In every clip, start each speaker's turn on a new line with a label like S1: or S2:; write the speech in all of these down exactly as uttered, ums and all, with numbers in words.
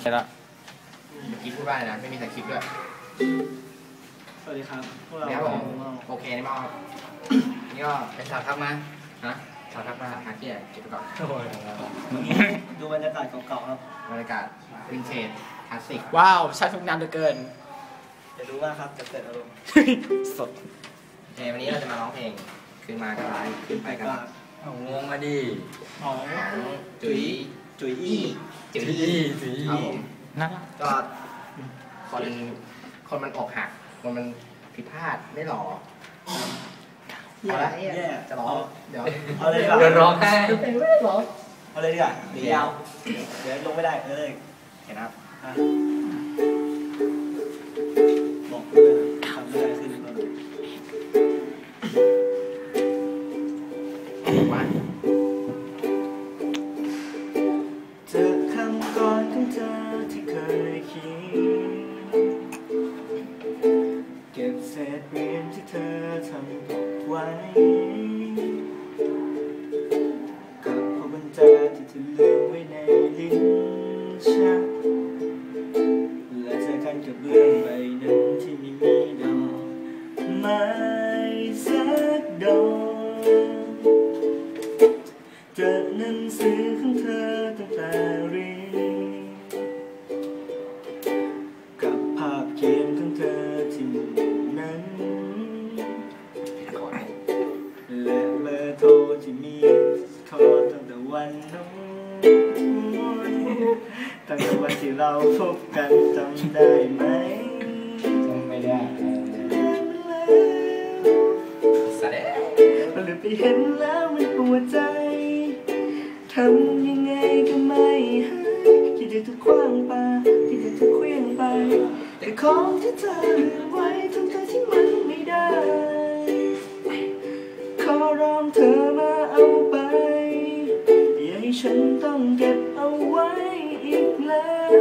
S1: ละ
S2: เมื่อกี้พูดว่าอะไรนะไม่มีสคริปต์ด้วย
S3: สวัสดีครับพวกเรา
S2: โอเคนี่มอนี่ก็เป็นสาวทักมาฮะสาวทักมาหาเกียร์เก็บไปก่อน
S3: ดูบรรยากาศเก่าๆครับ
S2: บรรยากาศวินเทจคลาสสิก
S1: ว้าวใช้ทุกน้ำเหลือเกิน
S3: จะรู้ว่าครับจะเกิดอารมณ์
S1: สด
S2: เพลงวันนี้เราจะมาร้องเพลงขึ้นมาก็ไลฟ์ขึ้นไปก็
S1: งงมาดิ
S2: ของจุ๋ย
S3: จุ๋ยอี้
S2: จุ๋ยอี้จุ๋ยอี้
S1: นะ
S2: ก็คนคนมันอกหักคนมันผิดพลาดไม่หล่อเอาละจะร้องเดี๋ยว
S3: เอาเลย
S1: เดี๋ยวร้องให้
S2: เพลงไม่ได้ร้อง
S3: เอาเลยดีกว่าเดี๋ยวยาวเดี๋ยวลงไม่ได้เลย
S2: เห็นครับ
S3: บอกเพื่อนทำไม่ได้ขึ้นมาเจอคำก่อนของเธอที่เคยเขียนเก็บเศษเรียนที่เธอทำตกไว้กับพวกกุญแจที่เธอลืมไว้ในลิ้นชักและเจอกันกับเรื่องใบนั้นที่ไม่มีดอกไม้สักดอกเจอหนังสือของเธอตั้งแต่เรียนกับภาพเขียนของเธอที่มุมนั้นและเบอร์โทรที่มีโทรตั้งแต่วันนู้นตั้งแต่วันที่เราพบกันจำได้ไหม
S1: จำไม่ได้
S2: แสดง
S3: เราเลยไปเห็นแล้วมันปวดใจทำยังไงก็ไม่หายคิดจะถูกคว้างปาคิดจะถูกเคลื่อนไปแต่ของที่เธอลืมไว้ทั้งๆที่มันไม่ได้ขอร้องเธอมาเอาไปอย่าให้ฉันต้องเก็บเอาไว้อีกแล้ว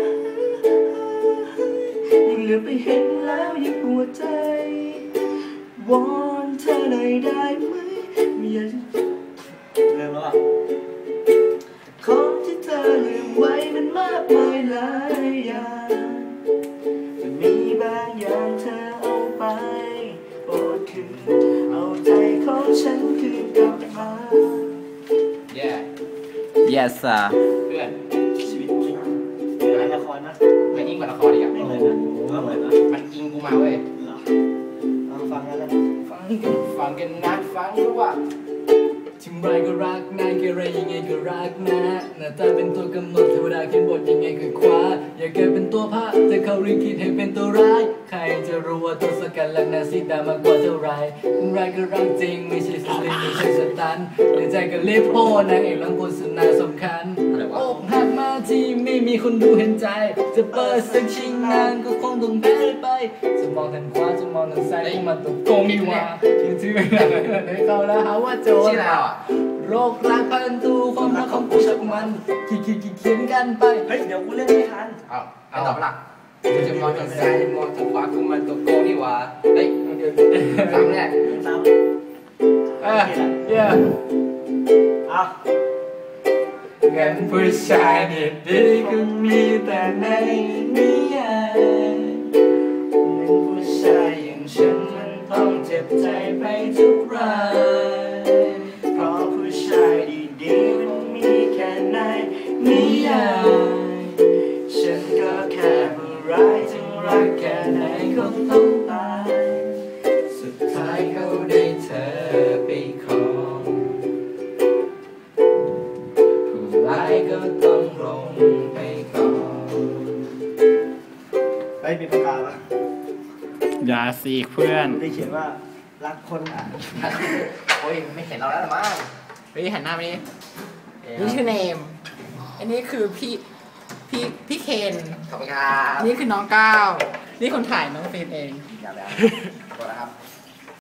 S3: ยิ่งเหลือไปเห็นแล้วยิ่งปวดใจวอนเธอหน่อยได้ไหมไม่อยากจะเริ่มแล้วอ่ะของที่เธอลืมไว้มันมากมายหลายอย่างแต่มีบางอย่างเธอเอาไปโปรดคืนเอาใจของฉันคืนกลับมา
S2: yeah
S1: yes sir
S2: เพื่อน
S3: ชีวิตจริงเป็นละครนะ
S2: ไม่ยิ่งกว่าละครอีกอ่ะ
S3: ไม่เหมือนนะก็เหมือนนะ
S2: มันอิงกูมาเว้ย
S3: เอาฟังกันแล้ว
S2: ฟังกันฟังกันนะฟังรู้ว่า
S1: ถึงไรก็รักนะเกเรยังไงก็รักนะหน้าตาเป็นตัวกำหนดเทวดาเขียนบทยังไงก็คว้าอย่าแกเป็นตัวพระแต่เขารีคิดให้เป็นตัวร้ายใครจะรู้ว่าตัวสกัดหลักนาซีดามากกว่าเท่าไรถึงไรก็รักจริงไม่ใช่สลิมไม่ใช่สตันในใจก็เล็บโพนางเอกหลังโฆษณาสำคัญอกหักมาที่ไม่มีคนดูเห็นใจจะเปิดสักชิงนานก็คงต้องแพ้ไปจะมองทางขวาจะมองทางซ้ายก็มาตกโกงดีว่าคือที่ไม่ได้ให้เขาแล้วหาว่าโจรโรครักพันตูความรักของกูชักมันขี้ขี้ขี้เขียนกันไป
S3: เฮ้ยเดี๋ยวกูเล่นไม่ทัน
S2: เอาเอาตอบหลักจะมองทางซ้ายจะมองทางขวากูมันตกโกงดีว่าเฮ้ยเดี๋ยวซ้ำแน่
S3: ซ้ำ
S1: เออเยอะ
S3: เอา
S1: เงินผู้ชายดีๆก็มีแต่ในนิยาย
S3: เงินผู้ชายอย่างฉันมันต้องเจ็บใจไปทุกรายเพราะผู้ชายดีๆมันมีแค่ในนิยายฉันก็แค่ผู้ร้ายถึงรักแค่ไหนก็ต้องตายสุดท้ายเขาได้เธอไปครองผู้ร้ายก็ต้องลงไปก่อนเฮ้ยมีปากกาปะ
S1: อย่าสิเพื่อน
S3: ได้เขียนว่ารักคนอ่ะ
S2: โอ้ยไม่เห็นเราแล้วหรอมั้ง
S1: เฮ้ยหันหน้าไปนี่นี่ชื่อเนมอันนี้คือพี่พี่พี่เคน
S2: ขอบคุณครับ
S1: นี่คือน้องก้าวนี่คนถ่ายน้องเฟนเอง
S2: อย่าแล้วขอบคุณครับ